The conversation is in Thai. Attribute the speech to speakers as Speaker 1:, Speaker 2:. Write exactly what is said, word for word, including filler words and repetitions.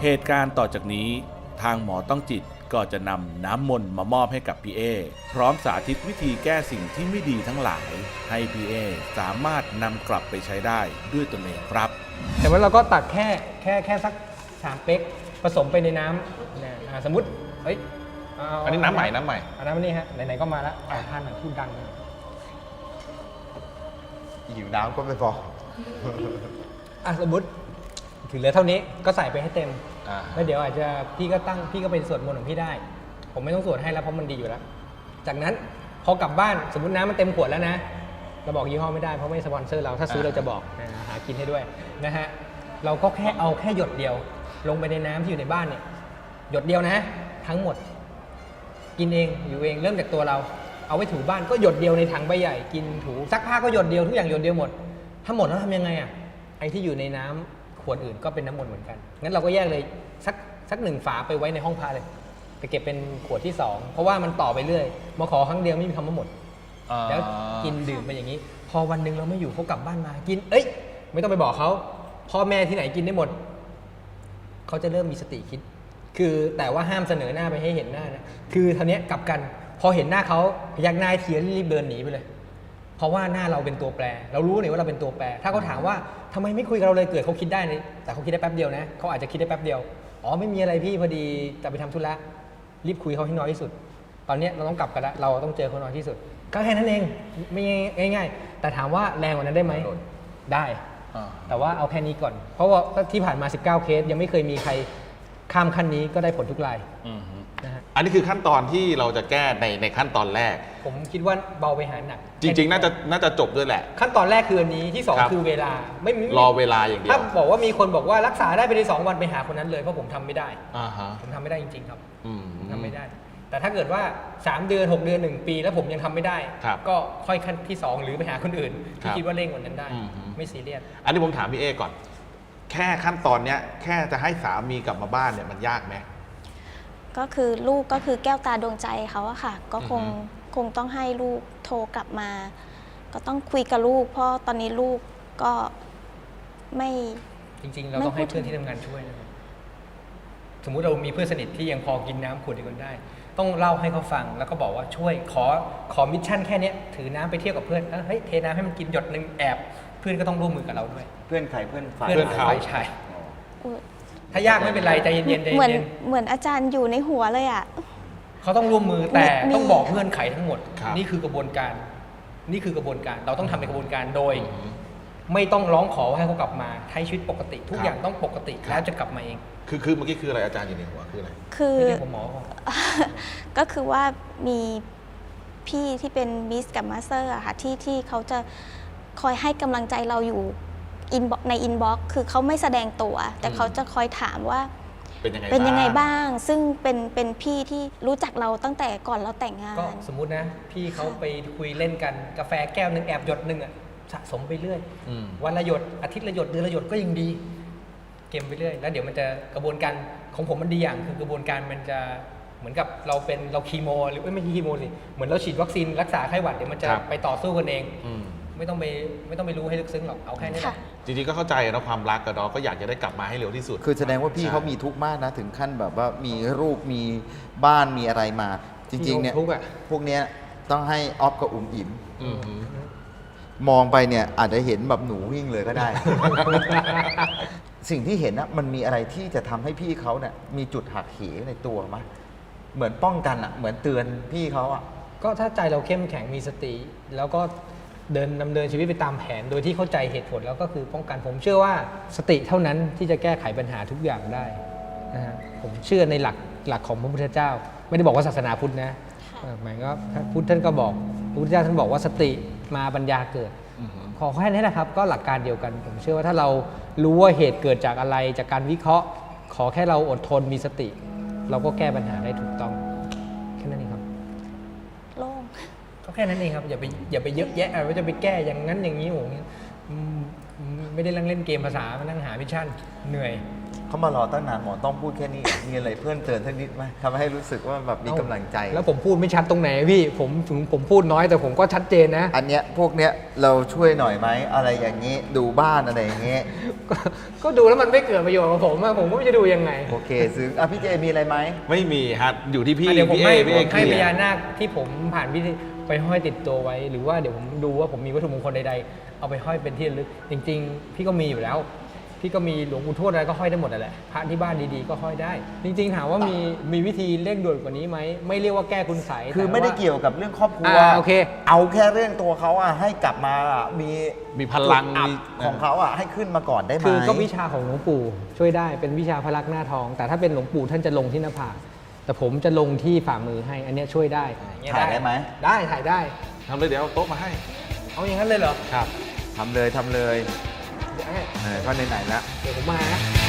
Speaker 1: เหตุการณ์ต่อจากนี้ทางหมอต้องจิตก็จะนำน้ำมนต์มามอบให้กับพี่เอพร้อมสาธิตวิธีแก้สิ่งที่ไม่ดีทั้งหลายให้พี่เอสามารถนำกลับไปใช้ได้ด้วยตนเองครับ
Speaker 2: แต่ว่าเราก็ตักแค่แค่แค่สักสามเป๊กผสมไปในน้ำนะสมมติเฮ้ย
Speaker 3: อันนี้น้ำใหม่น้ำใหม่
Speaker 2: อันน้ำนี่ฮะไหนๆก็มาแล้วอ่าทานหน่อยพูดดัง
Speaker 4: หิวน้ำก็ไม่พอ
Speaker 2: อ่ะสมมติถึงเหลือเท่านี้ก็ใส่ไปให้เต็มแล้วเดี๋ยวอาจจะพี่ก็ตั้งพี่ก็เป็นสวดมนต์ของพี่ได้ผมไม่ต้องสวดให้แล้วเพราะมันดีอยู่แล้วจากนั้นพอกลับบ้านสมมติน้ำมันเต็มขวดแล้วนะเราบอกยี่ห้อไม่ได้เพราะไม่สปอนเซอร์เราถ้าซื้อเราจะบอกหากินให้ด้วยนะฮะเราก็แค่เอาแค่หยดเดียวลงไปในน้ำที่อยู่ในบ้านเนี่ยหยดเดียวนะทั้งหมดกินเองอยู่เองเริ่มจากตัวเราเอาไว้ถูบ้านก็หยดเดียวในถังใบใหญ่กินถูซักผ้าก็หยดเดียวทุกอย่างหยดเดียวหมดถ้าหมดแล้วทำยังไงอ่ะไอ้ที่อยู่ในน้ำขวดอื่นก็เป็นน้ำมนต์เหมือนกันงั้นเราก็แยกเลยสักสักหนึ่งฝาไปไว้ในห้องพระเลยไปเก็บเป็นขวดที่สองเพราะว่ามันต่อไปเรื่อยมาขอครั้งเดียวไม่มีคำว่าหมดแล้วกินดื่มไปอย่างนี้พอวันหนึ่งเราไม่อยู่เขากลับบ้านมากินเอ้ยไม่ต้องไปบอกเขาพ่อแม่ที่ไหนกินได้หมดเขาจะเริ่มมีสติคิดคือแต่ว่าห้ามเสนอหน้าไปให้เห็นหน้านะคือทีนี้กลับกันพอเห็นหน้าเขาพยักหน้าเทียนรีบเดินหนีไปเลยเพราะว่าหน้าเราเป็นตัวแปรเรารู้เลยว่าเราเป็นตัวแปรถ้าเขาถามว่าทำไมไม่คุยกับเราเลยเกิดเขาคิดได้เลยแต่เขาคิดได้แป๊บเดียวนะเขาอาจจะคิดได้แป๊บเดียวอ๋อไม่มีอะไรพี่พอดีจะไปทำธุระรีบคุยเขาให้น้อยที่สุดตอนนี้เราต้องกลับกันแล้วเราต้องเจอเขาน้อยที่สุดก็แค่นั้นเองไม่ง่ายๆแต่ถามว่าแรงกว่านั้นได้ไหมได้แต่ว่าเอาแค่นี้ก่อนเพราะว่าที่ผ่านมาสิบเก้าเคสยังไม่เคยมีใครข้ามขั้นนี้ก็ได้ผลทุกราย
Speaker 3: นะฮะอันนี้คือขั้นตอนที่เราจะแก้ในในขั้นตอนแรก
Speaker 2: ผมคิดว่าเบาไปหาหนัก
Speaker 3: จริงๆน่าจะน่าจะจบด้วยแหละ
Speaker 2: ขั้นตอนแรกคืออันนี้ที่สองคือเวลาไม่
Speaker 3: รอเวลาอย่างเดียว
Speaker 2: ถ้าบอกว่ามีคนบอกว่ารักษาได้ไปในสองวันไปหาคนนั้นเลยเพราะผมทำไม่ได้ผมทำไม่ได้จริงๆครับทำไม่ได้แต่ถ้าเกิดว่าสามเดือนหกเดือนหนึ่งปีแล้วผมยังทำไม่ได้ก็ค่อยขั้นที่สองหรือไปหาคนอื่นที่คิดว่าเร่งกว่านั้นได้ไม่ซีเรียส
Speaker 3: อันนี้ผมถามพี่เอก่อนแค่ขั้นตอนเนี้ยแค่จะให้สามีกลับมาบ้านเนี่ยมันยากไหม
Speaker 5: ก็คือลูกก็คือแก้วตาดวงใจเขาอะค่ะก็คงคงต้องให้ลูกโทรกลับมาก็ต้องคุยกับลูกเพราะตอนนี้ลูกก็ไม่
Speaker 2: จริงๆเราต้องให้เพื่อนที่ทำงานช่วยนะครับสมมุติเรามีเพื่อนสนิทที่ยังพอกินน้ำขวดเดียวกันได้ต้องเล่าให้เขาฟังแล้วก็บอกว่าช่วยขอขอมิชชั่นแค่นี้ถือน้ำไปเที่ยวกับเพื่อนเฮ้ยเทน้ำให้มันกินหยดนึงแอบเพื่อนก็ต้องร่วมมือกับเราด้วย
Speaker 4: เพื่อนใครเพื่อนฝ่าย
Speaker 2: เพื่อนเขาใช่ถ้ายากไม่เป็นไรใจเย็นๆใจเย็น
Speaker 5: เหมือนเหมือนอาจารย์อยู่ในหัวเลยอ่ะ
Speaker 2: เขาต้องร่วมมือแต่ต้องบอกเงื่อนไขทั้งหมดนี่คือกระบวนการนี่คือกระบวนการเราต้องทำในกระบวนการโดยไม่ต้องร้องขอให้เขากลับมาใช้ชีวิตปกติทุกอย่างต้องปกติแล้วจะกลับมาเอง
Speaker 3: คือคือเมื่อกี้คืออะไรอาจารย์อยู่ในหัวคืออะไร
Speaker 5: คือ
Speaker 2: ผมหมอ
Speaker 5: ก็คือว่ามีพี่ที่เป็นมิสกับมาสเตอร์อะค่ะที่ที่เขาจะคอยให้กำลังใจเราอยู่ในอินบ็อกซ์คือเขาไม่แสดงตัวแต่เขาจะคอยถามว่า
Speaker 3: เป็นยังไง
Speaker 5: เป็นยังไงบ้างซึ่งเป็นเป็นพี่ที่รู้จักเราตั้งแต่ก่อนเราแต่งงาน
Speaker 2: ก็สมมุตินะพี่เขาไปคุยเล่นกันกาแฟแก้วนึงแอบหยดนึงอ่ะสะสมไปเรื่อยวันละหยดอาทิตย์ละหยดเดือนละหยดก็ยังดีเก็บไปเรื่อยแล้วเดี๋ยวมันจะกระบวนการของผมมันดีอย่างคือกระบวนการมันจะเหมือนกับเราเป็นเราคีโมหรือไม่ใช่คีโมสิเหมือนเราฉีดวัคซีนรักษาไข้หวัดเดี๋ยวมันจะไปต่อสู้กันเองไม่ต้องไปไม่ต้องไปรู้ให้ลึกซึ้งหรอกเอาแค่นี้
Speaker 3: จริงๆก็เข้าใจนะความรักกับเราก็อยากจะได้กลับมาให้เร็วที่สุด
Speaker 4: คือแสดงว่าพี่เขามีทุกข์มากนะถึงขั้นแบบว่ามีรูปมีบ้านมีอะไรมาจริงๆเนี่ยพวกเนี้ยต้องให้ออฟกับอุ๋มอิ๋มมองไปเนี่ยอาจจะเห็นแบบหนูวิ่งเลยก็ได้ สิ่งที่เห็นนะมันมีอะไรที่จะทำให้พี่เขาเนี่ยมีจุดหักเหในตัวมั้ยเหมือนป้องกันอ่ะเหมือนเตือนพี่เขาอ่ะ
Speaker 2: ก็ถ้าใจเราเข้มแข็งมีสติแล้วก็เดินดำเนินชีวิตไปตามแผนโดยที่เข้าใจเหตุผลแล้วก็คือป้องกันผมเชื่อว่าสติเท่านั้นที่จะแก้ไขปัญหาทุกอย่างได้นะฮะผมเชื่อในหลักหลักของพระพุทธเจ้าไม่ได้บอกว่าศาสนาพุทธนะหมายก็พุทธท่านก็บอกพระพุทธเจ้าท่านบอกว่าสติมาปัญญาเกิดขอแค่นี้นะครับก็หลักการเดียวกันผมเชื่อว่าถ้าเรารู้ว่าเหตุเกิดจากอะไรจากการวิเคราะห์ขอแค่เราอดทนมีสติเราก็แก้ปัญหาได้ถูกต้องแค่นั้นเองครับ
Speaker 5: โล่ง
Speaker 2: ก็แค่นั้นเองครับอย่าไปอย่าไปเยอะแยะว่าจะไปแก้อย่างนั้นอย่างนี้โหไม่ได้นั่งเล่นเกมภาษามานั่งหามิชชั่นเหนื่อย
Speaker 4: เขามารอตั้งนานหมอต้องพูดแค่นี้ มีอะไรเพิ่มเติมสักนิดไหมทำให้รู้สึกว่าแบบมีกำลังใจ
Speaker 2: แล้วผมพูดไม่ชัดตรงไหนพี่ผมถึงผมพูดน้อยแต่ผมก็ชัดเจนนะ
Speaker 4: อันเนี้ยพวกเนี้ยเราช่วยหน่อยไหมอะไรอย่างนี้ดูบ้านอะไรอย่างเงี้ย
Speaker 2: ก็ก็ดูแล้วมันไม่เกิดประโยชน์กับผมอะผมก็ไม่รู้จะดูยังไง
Speaker 4: โอเคซึ้งอ่ะพี่เจมีอะไรไหม
Speaker 3: ไม่มีฮะอยู่ที่พี่
Speaker 2: อ่ะเดี๋ยวผม
Speaker 3: พี่
Speaker 2: ให้
Speaker 3: เอพี่
Speaker 2: ผ
Speaker 3: เอ
Speaker 2: ม
Speaker 3: เค
Speaker 2: ให้
Speaker 3: ลี
Speaker 2: พ
Speaker 3: ย
Speaker 2: ญา
Speaker 3: ร์
Speaker 2: นาคที่ผมผ่านพิธีไปห้อยติดตัวไว้ หรือว่าเดี๋ยวผมดูว่าผมมีวัตถุมงคลใดๆเอาไปห้อยเป็นที่ระลึกจริง ๆ พี่ก็มีอยู่แล้ว พี่ก็มีหลวงปู่ทวดอะไรก็ห้อยได้หมดนั่นแหละพระที่บ้านดีๆก็ห้อยได้ จริงๆถามว่ามีมีวิธีเร่งด่วนกว่านี้ไหมไม่เรียกว่าแก้คุณไสย
Speaker 4: คือ
Speaker 2: แต่
Speaker 4: ไม่ได้
Speaker 2: ว่า
Speaker 4: เกี่ยวกับเรื่องครอบครัว
Speaker 2: อ่าโอเค
Speaker 4: เอาแค่เรื่องตัวเขาอ่ะให้กลับมาอ่ะมี
Speaker 3: มีพลัง
Speaker 4: จุดอับ
Speaker 3: มี
Speaker 4: ของเขาอ่ะให้ขึ้นมาก่อนได้ไหม
Speaker 2: คือก็วิชาของหลวงปู่ช่วยได้เป็นวิชาพระลักษณ์หน้าทอง แต่ถ้าเป็นหลวงปู่ท่านจะลงที่หน้าผากแต่ผมจะลงที่ฝ่ามือให้ อันเนี้ยช่วยได้องเงี้
Speaker 4: ถ่ายได้ไหม
Speaker 2: ได้ถ่ายได้
Speaker 3: ทำเลยเดี๋ยวเอาโต๊ะมาให้
Speaker 2: เอาอย่างนั้นเลยเหรอ
Speaker 3: ครับ
Speaker 4: ทำเลยทำเลย
Speaker 2: เดี๋ยวให้
Speaker 4: เออก็ไหนๆแล้ว
Speaker 2: เดี๋ยวผมมานะ